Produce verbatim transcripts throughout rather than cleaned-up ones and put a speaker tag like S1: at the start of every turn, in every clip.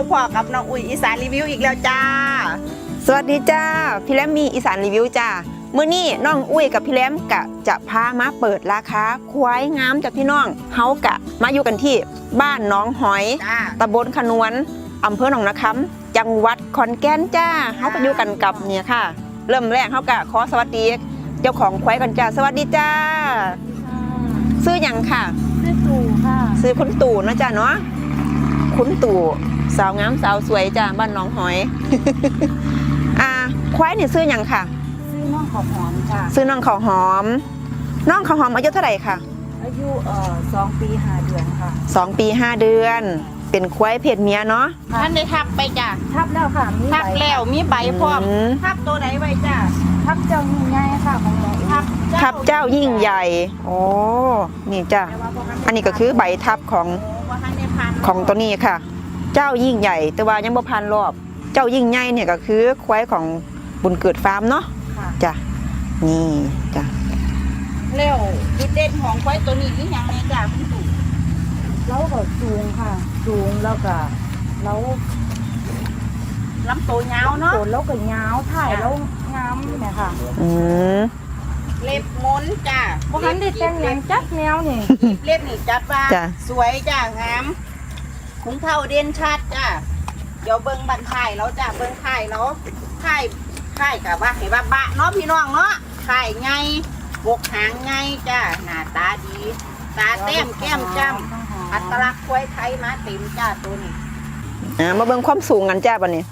S1: บพอกับน้องอุ้ยอีสานรีวิวอีกแล้วจ้า
S2: สวัสดีจ้าพี่แรมมีอีสานรีวิวจ้ามื้อนี้น้องอุ้ยกับพี่แรมกะจะพามาเปิดราคาควายงามจากพี่น้องเฮากะมาอยู่กันที่บ้านน้องหอยตำบลขนวนอำเภอหนองนาคำจังหวัดขอนแก่นจ้าเฮาก็อยู่กันกับเนี่ยค่ะเริ่มแรกเฮากะขอสวัสดีเจ้าของควายกันจ้าสวัสดีจ้าซื้อหยังค่ะ
S3: ซื้อตู่ค่ะ
S2: ซื้อคุณตู่นะจ้าเนาะคุณตู่สาวงามสาวสวยจ้าบ้านน้องหอย อ่าควายนี่ซื้อหยังค่ะ
S3: ซื้อน้องข้าวหอมค่ะ
S2: ซื้อน้องข้าวหอมน้องข้าวหอมอายุเท่าไหร่ค่ะ
S3: อายุเอ่อสองปีห้าเดือนค่ะ
S2: สองปีห้าเดือนเป็นควายเพศเมียเนาะ
S1: ท่านได้ทับไปจ้า
S3: ทับแล้วค่ะมี
S1: ทับแล้วมีใบพร้อมทับตัวไหนไว้จ้า
S3: ทับเจ้ายิ่งใหญ่ค่ะของหนู
S1: ทับ
S2: ทับเจ้ายิ่งใหญ่โอ้นี่จ้าอันนี้ก็คือใบทับของของตัวนี้ค่ะเจ้ายิ่งใหญ่แต่ว่ายังบ่พันรอบเจ้ายิ่งใหญ่เนี่ยก็คือควายของบุญเกิดฟาร์มเนาะจ้ะนี่จ้ะ
S1: แล้วจุดเด่นของควายตัวนี้นี่ยังไงจ้ะคุณตู่
S3: เราก็สูงค่ะสูงแล้วก็เรา
S1: ลำตัวยาวเนาะ
S3: ตัวเราก็ยาวถ่ายแล้วงามเนี่ยค่ะ
S2: อืม
S1: เล็บม้นจ้ะ
S3: บ่ทันได้แต่งหยังจัดแนวนี่
S1: เล็บนี่จัดว่าสวยจ้ะงามขุนเท่าเด่นชัดจ้ะเดี๋ยวเบิ้งบันไข่แล้วจ้ะเบิ้งไข่แล้วไข่ไข่กับว่าเห็นว่าบะเนาะพี่น้องเนาะไข่ไงบกหางไงจ้ะหน้าตาดีตาเต็มแก้มจ้ำอัตลักษณ์ควายไทยมาเต็มจ้ะตัวนี้
S2: อ่ามาเบิ้งความสูงกันจ้ะบัดนี้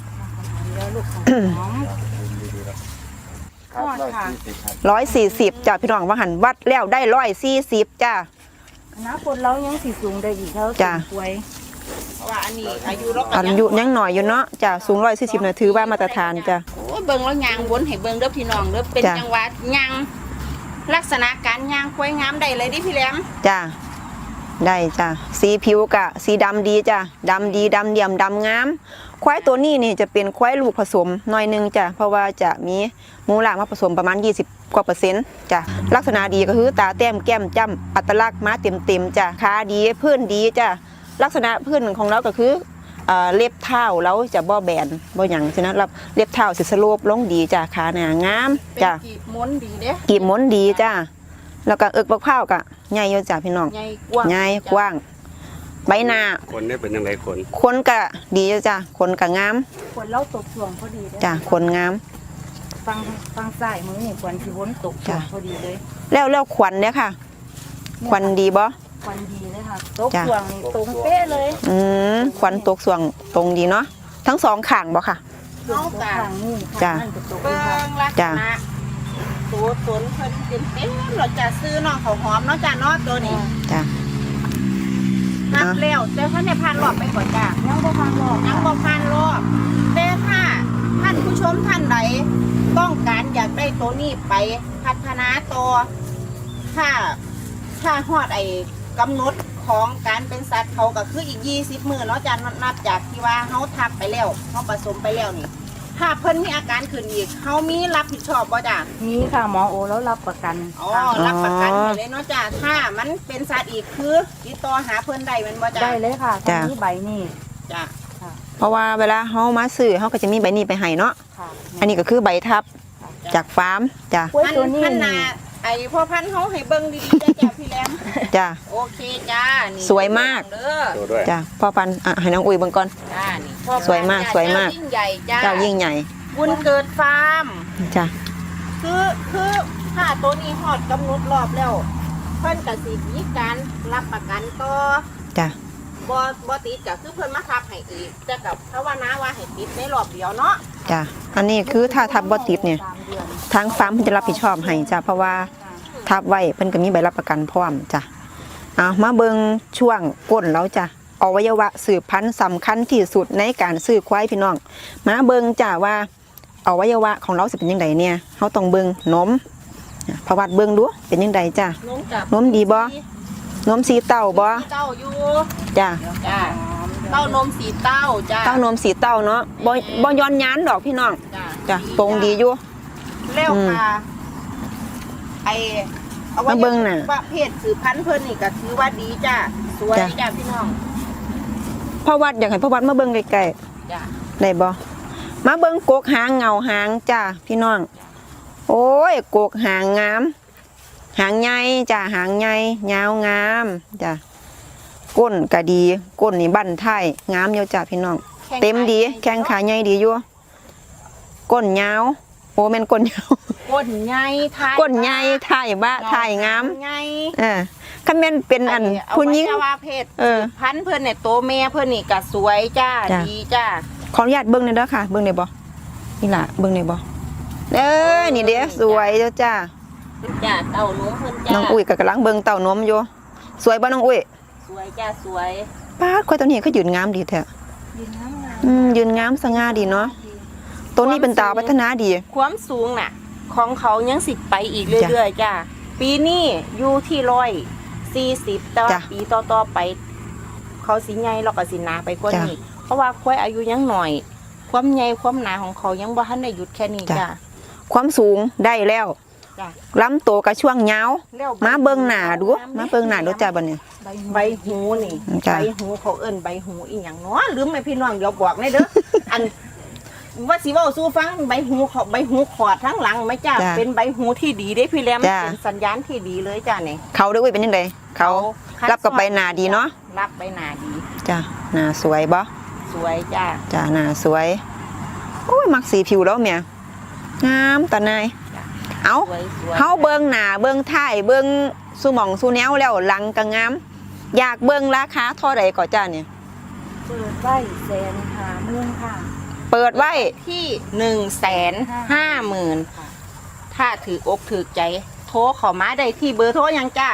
S2: ร้อยสี่สิบจ้ะพี่น้องว่าหันวัดแล้วได้ร้อยสี่สิบจ้ะ
S3: นะคนเรายังสีสูงได้อีกเขา
S2: จ้ะ
S3: ควาย
S1: เพราะว่าอันนี้อายุเรา
S2: อายุยังหน่อยอยู่เนาะจ้ะสูงร้อยสี่สิบเนี่ยถือว่ามาตรฐานจ้ะ
S1: โอ้เบิ้งแล้วยางวนให้เบิ้งเด้อพี่น้องเด้อเป็นจังหวะยางลักษณะการยางควายงามได้เลยดิพี่แหลม
S2: จ้ะได้จ้ะสีผิวกะสีดำดีจ้ะดำดีดำเดี่ยมดำงามควายตัวนี้นี่จะเป็นควายลูกผสมหน่อยนึงจ้ะเพราะว่าจะมีมูลหลางมาผสมประมาณยี่สิบกว่าเปอร์เซ็นต์จ้ะลักษณะดีก็คือตาแต้มแก้มจ้ำอัตลักษณ์มาเต็มเต็มจ้ะขาดีพื้นดีจ้ะลักษณะพื้นของเราก็คือเล็บเท้าเราจะบ่แบนบ่หยังฉะนั้นรับเล็บเท้าสิสโลปลงดีจ้ะขาหนางามจ้ะ
S1: กีบม้วนดีเด้
S2: กีบม้วนดีจ้ะแล้วก็เอิกบักเผากะใหญ่อยู่จ้ะพี่น้อง
S1: ใหญ่กว้าง
S2: ใหญ่กว้างใบหน้า
S4: คนได้เป็นยังไงขน
S2: ขนกะดีจ้ะขนกะงาม
S3: ขนเล่าตกช่วงพอดี
S2: จ้ะขนงาม
S3: ฟังฟังสายมือนี่ขวัญที่วนตกช่วงพอดีเลย
S2: แล้วแล้วขวัญเนี่ยค่ะขวัญดีบ่
S3: ขวัญดีเลยค่ะตกช่วงตรงเป๊ะเลย
S2: อืมขวัญตกช่วงตรงดีเนาะทั้งสองข้างบ่ค่ะ
S1: น้องกลาง
S3: นี่
S2: จ้ะ
S1: เบิ้งลักษณะตัวสนเพิ่นเป็นเต็มเราจะซื้อน้องเขาหอมเนาะจ้ะเนาะตัวนี้
S2: จ้ะ
S1: นับแล้วแต่ท่านในพันรอบไปก่อนจ้ะ
S3: ยังบ่พันรอบ
S1: ยังบ่พันรอบแต่ถ้าท่านผู้ชมท่านใดต้องการอยากได้ตัวนี้ไปพัฒนาต่อถ้าถ้าฮอดไอ้กำหนดของการเป็นสัตว์เขาก็คืออีกยี่สิบมื้อเนาะจ้ะนับจากที่ว่าเฮาทับไปแล้วเฮาผสมไปแล้วนี่ถ้าเพิ่นมีอาการขึ้นอีกเฮามีรับผิดชอบบ่จ้ะ
S3: มีค่ะหมอโอแล้วรับประกัน
S1: อ๋อรับประกันเลยเนาะจ้ะถ้ามันเป็นสัตว์อีกคือติดต่อหาเพิ่นได้แม่นบ่จ้ะ
S3: ได้เลยค่ะตอนนี้ใบนี้
S1: จ้ะ
S2: เพราะว่าเวลาเฮามาซื้อเฮาก็จะมีใบนี้ไปให้เนาะอันนี้ก็คือใบทับจากฟาร์มจ้ะ
S1: ตัวนี้น่ะไอ้พ่อพันธุ์เฮาให้เบิ่งดีๆจ้ะจ้ะพี่แหลม
S2: จ้ะ
S1: โอเคจ้านี่
S2: สวยมาก
S1: เด้อ
S2: จ้ะพ่อพันธุ์อ่ะให้น้องอุ้ยเบิ่งก่อน
S1: จ้านี่
S2: สวยมากสวยมาก
S1: ยิ่งใหญ่จ้า
S2: เจ้ายิ่งใหญ่
S1: บุญเกิดฟาร์ม
S2: จ้ะ
S1: คือคือถ้าตัวนี้ฮอดกำหนดรอบแล้วเพิ่นก็สิมีการรับประกันต่อ
S2: จ้ะ
S1: บ่บ่ติดก็คือเพิ่นมาทับให้อีกแต่กับภาวนาว่าให้ติดในรอบเดียวเนาะ
S2: จ้ะอันนี้คือถ้าทับบ่ติดเนี่ยทางฟาร์มเพิ่นจะรับผิดชอบให้จ้ะเพราะว่าทับไว้เพิ่นก็มีใบรับประกันพร้อมจ้ะเอามาเบิ่งช่วงก้นแล้วจ้ะอวัยวะสืบพันธุ์สำคัญที่สุดในการซื้อควายพี่น้องมาเบิ่งจ้ะว่าอวัยวะของเราสิเป็นยังไงเนี่ยเฮาต้องเบิ่งนมประวัติเบิ่งดูเป็นยังไงจ้ะนมดีบ่นมสีเต้าบ่
S1: เต้าอยู่
S2: จ้ะ
S1: จ้ะเต้านมสีเต้าจ้ะ
S2: เต้านมสีเต้าเนาะบ่บ่ย้อนย้านดอกพี่น้องจ้ะตรงดีอยู่
S1: แล้วค่ะไอ้
S2: เอาไว้เบิ่งน่ะ
S1: ประเภทสืบพันธุ์เพิ่นนี่ก็ถือว่าดีจ้ะสวยจ้ะพี่น้อง
S2: พ่อวัดอยากให้พ่อวัดมาเบิ่งใกล้
S1: จ้ะ
S2: ๆได้บ่มาเบิ่งกกหางเงาหางจ้าพี่น้องโอ้ยกกหางงามหางใหญ่จ้าหางใหญ่ยาวงามจ้าก้นก็ดีก้นนี่บั้นท้ายงามอยู่จ้าพี่น้องเต็มดีแข้งขาใหญ่ดีอยู่ก้นยาวโอ้แม่นก้นยาว
S1: ก้นใหญ่ท้าย
S2: ก้นใหญ่ท้ายบ้าท้ายงาม
S1: ใหญ่
S2: เออคันแม่นเป็นอันผู้หญิง
S1: อวัยวะเพศ
S2: เออ
S1: พันธุ์เพิ่นเนี่ยโตแม่เพิ่นนี่ก็สวยจ้า
S2: จ้ะ
S1: ดีจ้า
S2: ขออนุญาตเบิ่งหน่อยเด้อค่ะ เบิ่งได้บ่นี่ล่ะเบิ่งได้บ่เด้อนี่เด้อสวยเด้อจ้า
S1: จ้าเต้านมเพิ่นจ้า
S2: น้องอุ้ยก็กำลังเบิ่งเต้านมอยู่สวยบ่น้องอุ้ย
S1: สวยจ้าสวย
S2: ป้าดควายตัวนี้ก็ยืนงามดีแท้
S3: ยืนน้ำงาม
S2: อืมยืนงามสง่าดีเนาะตัวนี้เป็นตาพัฒนาดี
S1: ความสูงน่ะ ของเขายังสิไปอีกเรื่อยๆจ้าปีนี้อยู่ที่ร้อยสี่สิบแต่ว่า
S2: จ้ะ
S1: ปีต่อๆไป เขาสิใหญ่แล้วก็สิหนาไปกว่า
S2: จ้ะ
S1: นี้เพราะว่าควายอายุยังหน่อย ความใหญ่ความหนาของเขายังบ่ทันได้หยุดแค่นี้
S2: จ้ะ
S1: จ้า
S2: ความสูงได้แล้ว
S1: จ้ะ
S2: ลำโตวกับช่วงยาว
S1: แล้ว
S2: มาเบิ่งหน้าดูมาเบิ่งหน้าดูจ้าบัดนี้
S3: ใบ
S1: ใบหูนี่
S2: จ้ะ
S1: ใบหูเขาเอิ้นใบหูอีหยังเนาะลืมไหมพี่น้องเดี๋ยวบอกในเด้อ อันว่าสิเว้าสู่ฟังใบหูเขาใบหูขอดทั้งหลังไหมจ้า
S2: จ้ะ
S1: เป็นใบหูที่ดีได้พี่แรม
S2: จ้ะ
S1: เป็นสัญญาณที่ดีเลยจ้าเนี่ย
S2: เขาเด้ออุ้ยเป็นจังไดเขารับกับใบหน้าดีเนาะ
S1: รับใบหน้าดี
S2: จ้าหน้าสวยบ่
S1: สวยจ้า
S2: จ้าหน้าสวยโอ้ยมักสีผิวแล้วเมียงามตาหนายเอา
S1: สวยสวย
S2: เฮาเบิ่งหน้าเบิ่งท้ายเบิ่งสุหม่องสุแนวแล้วหลังก็งาม อยากเบิ่งราคาเท่าใดก็จ้าเนี่ย
S3: เปิดไว้แสนหาเมืองค่ะ
S2: เปิดไว้
S1: ที่หนึ่งแสนห้าหมื่นถ้าถืออกถือใจ โทรเขอมาได้ที่เบอร์โทรยังจ้า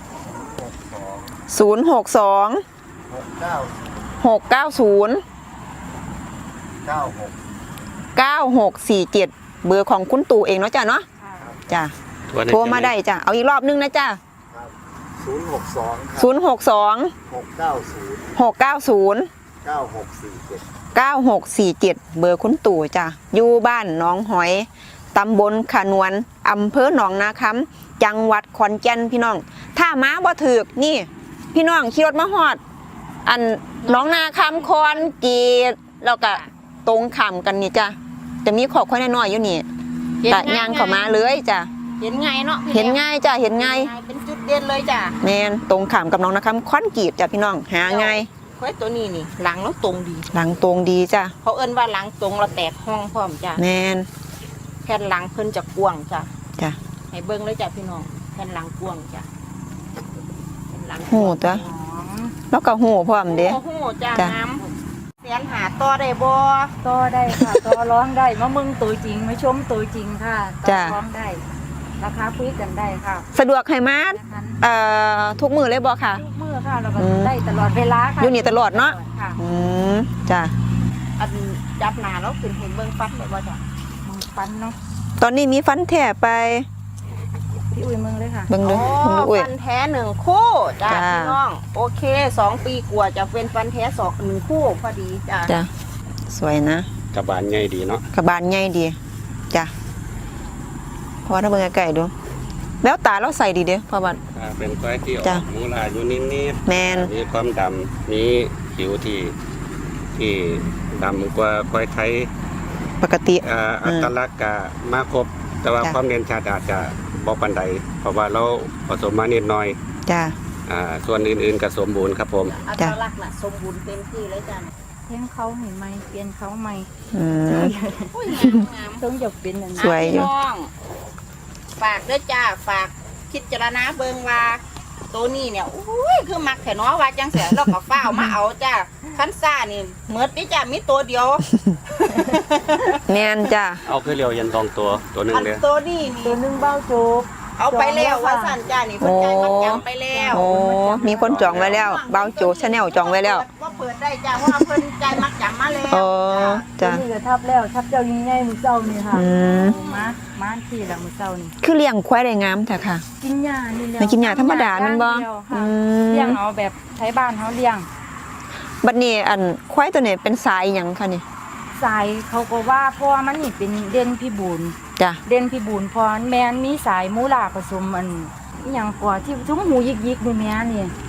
S2: ศูนย์ หก สอง
S4: หกเก้า
S2: หก เก้า ศูนย์
S4: เก้าหก
S2: เก้า หก สี่ เจ็ดเบอร์ของคุณตู่เองเนาะจ้าเนาะ
S3: ค่ะ
S2: จ้าโทรมาได้จ้าเอาอีกรอบนึงนะจ้า
S4: ศูนย์หกสอง
S2: ศูนย์ หก สอง
S4: หกเก้าศูนย์
S2: หก เก้า ศูนย์
S4: เก้าหกสี่เจ็ด
S2: เก้า หก สี่ เจ็ดเบอร์คุณตู่จ้ะอยู่บ้านหนองหอยตำบลขนวนอำเภอหนองนาคำจังหวัดขอนแก่นพี่น้อง ถ้ามาบ่ถึกนี่ พี่น้องขี่รถมาฮอด อันหนองนาคำคอนกรีดแล้วก็ตรงขามกันนี่จ้ะจะมีขอบค่อยน้อยๆอยู่นี่กะย่างเข้ามาเลยจ้ะ
S1: เห็นไงเนาะพี่
S2: เห็น
S1: แรม
S2: ง่ายจ้ะเห็นง่าย
S1: เป็นจุดเด่นเลยจ้า
S2: แมนตรงขามกับหนองนาคำคอนกรีดจ้ะพี่น้องหาง่าย
S1: ควายตัวนี้นี่หลังแล้วตรงดี
S2: หลังตรงดีจ้ะ
S1: เขาเอิ้นว่าหลังตรงเราแตกห้องพร้อมจ้า
S2: แมน
S1: แผ่นหลังเพิ่นจะกว้างจ้า
S2: จ้ะ
S1: ให้เบิ่งเลยจ้าพี่น้องแผ่นหลังกว้างจ้าแผ่นหลัง
S2: หูจ้ะ
S3: หอม
S2: แล้วก็หูพร้อมเด้
S1: โอ้โหจ้า
S2: จ้ะ
S1: น้ำเสียนหาต่อได้บ่
S3: ต่อได้ค่ะ ต่อร้องได้มามึงตัวจริงมาชมตัวจริงค่ะต่อ
S2: จ้ะ
S3: ร้องได้ ราคาคุยกันได้ค่ะ
S2: สะดวกให้มา
S3: นะคะ
S2: เอ่อทุกมือเลยบ่ค่ะ
S3: ทุกมือค่ะเราก็
S2: อืม
S3: ได้ตลอดเวลาค่ะ
S2: อยู่นี่ตลอดเนาะ
S3: ค่ะ
S2: อืมจ้ะ
S1: อันจับหน้าแล้วขึ้นเห็นเบิ่งฟัดเลยบ่จ้า
S3: มึงฟันเนาะ
S2: ตอนนี้มีฟันแท้ไป
S3: พี่อุ้ยมึงเลยค่ะ
S2: เบิ่งดู
S1: โอ้
S2: เบิ่งดูอุ้ย
S1: ฟันแท้หนึ่งคู่จ้า
S2: จ้า
S1: พี่น้องโอเคสองปีกว่าจะเป็นฟันแท้สองหนึ่งคู่พอดีจ้า
S2: จ้ะสวยนะ
S4: กระบาลใหญ่ดีเนาะ
S2: กระบาลใหญ่ดีจ้ะเพราะว่าถ้าเบิ่งไกลๆดู แล้วตาเราใส่ดีเด้อเพราะว่า
S4: อ่าเป็นควายที่ออ
S2: จ้ะ
S4: กมูลาอยู่นิด
S2: แมน
S4: ๆมีความดำมีผิวที่ที่ดำกว่าควายไทย
S2: ปกติ
S4: อ่า
S2: อื
S4: อั
S2: ม
S4: ตลักษณ์ก็มาครบ แต่ว่า
S2: จ้ะ
S4: ความเด่นชัดอาจจะบ่ปานใดเพราะว่าเราผสมมานิดหน่อย
S2: จ้ะ
S4: อ่าส่วนอื่นๆก็สมบูรณ์ครับผม
S1: อัต
S2: จ้ะ
S1: ลักษณ์น่ะสมบูรณ์เต็มที่เลยจ้า
S3: เลี้ยงเขาเห็นไหมเปลี่ยนเขาใหม่
S2: อืม
S1: อุ้ยงามงาม
S3: ต้องหยกเป็นอัน
S2: สวยอยู่
S1: พี่น้องฝากเด้อจ้าฝากพิจารณาเบิ่งว่าตัวนี้เนี่ยอุ้ยคือมักแถเนาะว่าจังเสียเราก็ฟ้าวมาเอาจ้าคันซ่านี่เหมือนนี่จ้ามีตัวเดียว
S2: แมนจ้ะ
S4: เอาคือเรียวยันตองตัวตัวหนึง
S1: อัน
S4: เด้อ
S1: ตัวนี้
S3: ตัว
S1: นี่
S3: หนึงเบ้าโจก
S1: เอาไปแล้วว่าสั่นจ้านี่เพิ่นใจายมัดจำไปแล้ว
S2: โอ้มีคนจองไว้แล้วเบาโจชาแนลจองไว้แล้ว
S1: ว่าเปิดได้จ้าเพราะว่าเพิ่นใจายมัดจำมาแล้ว
S2: โอ้
S3: ตัว
S2: จ้ะ
S3: นี้ก็ทับแล้วทับเจ้ายิ่งใหญ่มือเจ้านี่ค่ะ
S2: อืม
S3: มามาที่ละมือเจ้านี่
S2: คือเลี้ยงควายได้งามแต่ค่ะ
S3: กินหญ้านี่แหละ
S2: ไม่กินหญ้าธรรมดาแม่นบ่
S3: อย่างเดียวค่ะ
S2: อืม
S3: เลี้ยงเอาแบบใช้บ้านเขาเลี้ยง
S2: บัดนี้อันควายตัวนี้เป็นสายหยังคะนี่
S3: สายเขาก็ว่าเพราะว่ามันนี่เป็นเด่นพิบูล
S2: จ้ะ
S3: เด่นพิบูลเพอแม่นมีสายมูลาผสมอันอหย่างกว่าที่ทุ่งหูยิกยิกๆนี่แม่นี่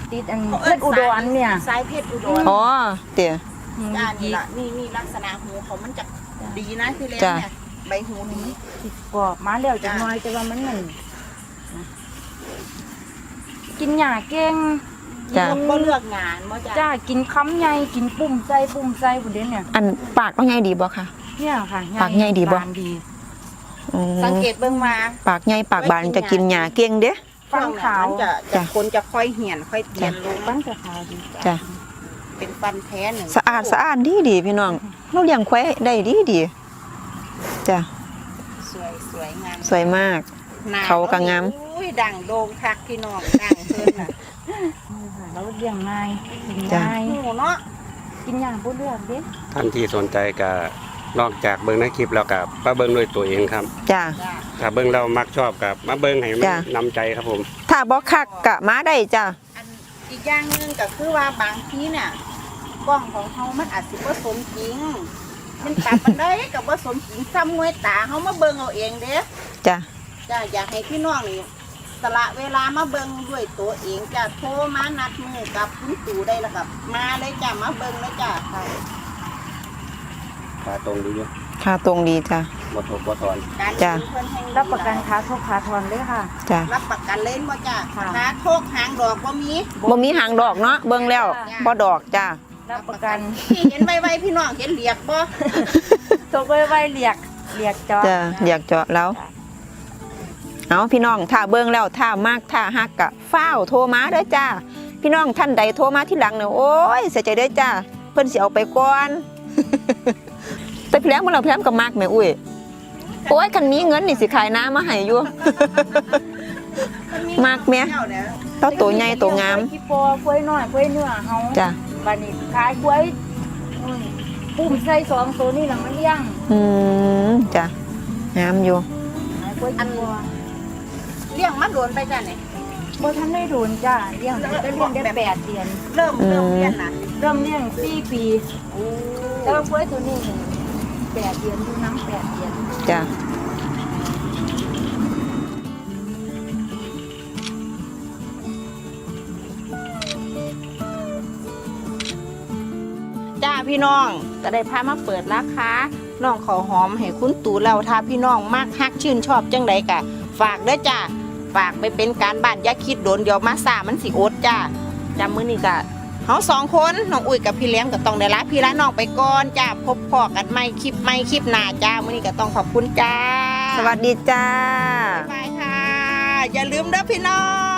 S3: ติดอันเพชรอุดรเนี่ย
S1: สายเพชรอุดร
S2: อ๋อเตี๋ย
S3: หู
S1: จ้า
S3: ยิ
S1: นี่
S3: ก
S1: ละนี่นี่ลักษณะหูเขามันจะดีนะที่เลี้ยง
S2: จ้ะ
S1: เนี่ยใบหูนี้
S3: ติดกรอบมาแล้วจังน้อยแต่ว่ามันนั่นนะกินหญ้าเก่ง
S2: จ้ะ
S3: กิน
S1: ก็เลือกงานมาจ้า
S3: จ้ากินคำใหญ่กินปุ่มใส่ปุ่มใส่พุ่นเด้เนี่ย
S2: อันปากว่าไงดีบ่คะ
S3: เนี่ยค่ะ
S2: ปากใหญ่ดีบ่
S3: บานดี
S2: อืม
S1: สังเกตเบิ่งมา
S2: ปากใหญ่ปากบานจะกินหญ้าเก่งเด้
S3: ฟันขาว
S1: มันจะ
S2: จ้ะ
S1: จะคนจะค่อยเหี่ยนค่อยเตียนลง
S3: ฟันจะขาวดี
S2: จ้ะ
S1: เป็นฟันแท้หนึ่ง
S2: สะอาดสะอาดดีดีพี่น้องเราเลี้ยงควายได้ดีดีจ้ะ
S1: สวยสวยงาม
S2: สวยมาก
S1: หน้
S2: เขาก็งาม
S1: อุ้ยดังโด่งคักพี่น้องดังเพิ่นน่ะ
S3: แล้วเลี้ยงง่ายกิน
S2: จ้ะ
S3: ง่าย
S1: หมูเนาะ
S3: กินอย่างผู้เลือกเด้
S4: ท่านที่สนใจก็นอกจากเบิ่งในคลิปแล้วก็มาเบิ่งด้วยตัวเองครับ
S2: จ้ะ
S1: จ้า
S4: ถ้าเบิ่งเรามักชอบกับมาเบิ่งให้มัน
S2: จ้ะ
S4: นำใจครับผม
S2: ถ้าบ่คักกะมาได้จ้ะ
S1: อันอีกอย่างหนึงก็คือว่าบางทีเนี่ยกล้องของเขามันอาจสิบ่สมจริง มันตัดมันได้กับบ่สมจริงซ้ำงวยตาเขามาเบิ่งเอาเองเด้
S2: จ้ะ
S1: จ้าอยากให้พี่น้องนี่สละเวลามาเบิ่งด้วยตัวเองจ้าโทรมานัดมือกับคุณตู่ได้แล้วกับมาเลยจ้ามาเบิ่งเลยจ้าค่ะ
S4: ขาตรงดีอยู่
S2: ค่าตรงดีจ้ะ
S4: บ่ทบบ่ถอน
S1: การ
S2: จ้ะ
S1: ซื้อเพิ่นให้
S3: รับประกันค้าทุกค้าทอนเลยค่ะ
S2: จ้ะ
S1: รับประกันเล่นบ่จ้า
S3: ค่ะ
S1: ขาโทกหางดอกบ่มี
S2: บ่มีหางดอกเนาะเบิ่งแล้วบ่ดอกจ้ะ
S3: รับประกัน
S1: ที่เห็นไวๆพี่น้องเห็นเหลียกบ่
S3: ตกไว้ไว้เรียกเรียกจอ
S2: จ้ะอยากเจาะแล้ว เอาพี่น้องถ้าเบิ่งแล้วถ้ามากถ้าฮักกะฟ้าวโทรมาเด้อจ้าพี่น้องท่านใดโทรมาที่หลังเนี่ยโอ้ยเสียใจเด้อจ้าเพิ่นสิเอาไปก่อน แต่พี่แหลมบ่เราพี่แหลมก็มากแม่อุ้ยโอ้ยคันมีเงินนี่สิขายน้ำมาให้อยู่ มากแม่ เต้าตัวใหญ่ตัวงาม
S3: กล้วยขี้ปอกล้วยน้อยกล้วยเนื้อเฮา
S2: จ้ะ
S3: บัดนี้ขายกล้วยอืมปุ่มใส่สองตัวนี่หลังมันเลี้ยง
S2: อืมจ้ะงามอยู่
S3: ขายกล้วยขี้ปอ
S1: เลี้ยงมาโดนไปจ้าเนี่ย
S3: บ่ทันได้โดนจ้าเลี้ยงได้เลี้ยงได้แปดเดือน
S1: เริ่มเริ่มเลี้ยงน่ะ
S3: เริ่มเลี้ยงสี่ปีแต่ว่ากล้วยตัวนี้แปดเดือนอยู่น้ำแปดเดือน
S2: จ้ะ
S1: จ้าพี่น้องก็ได้พามาเปิดราคาน้องขอหอมให้คุณตู่เราถ้าพี่น้องมากฮักชื่นชอบจังใดกะฝากเด้อจ้าฝากไปเป็นการบ้านอย่าคิดโดนเดี๋ยวมาซ่ามันสิอดจ้าจำมื้อนี้กะเฮาสองคนน้องอุ้ยกับพี่เลี้ยงก็ต้องได้ลาพี่ละน้องไปก่อนจ้าพบพอกันใหม่คลิปใหม่คลิปหน้าจ้ามื้อนี้ก็ต้องขอบคุณจ้า
S2: สวัสดีจ้า
S1: บ๊ายบายค่ะ อย่าลืมเด้อพี่น้อง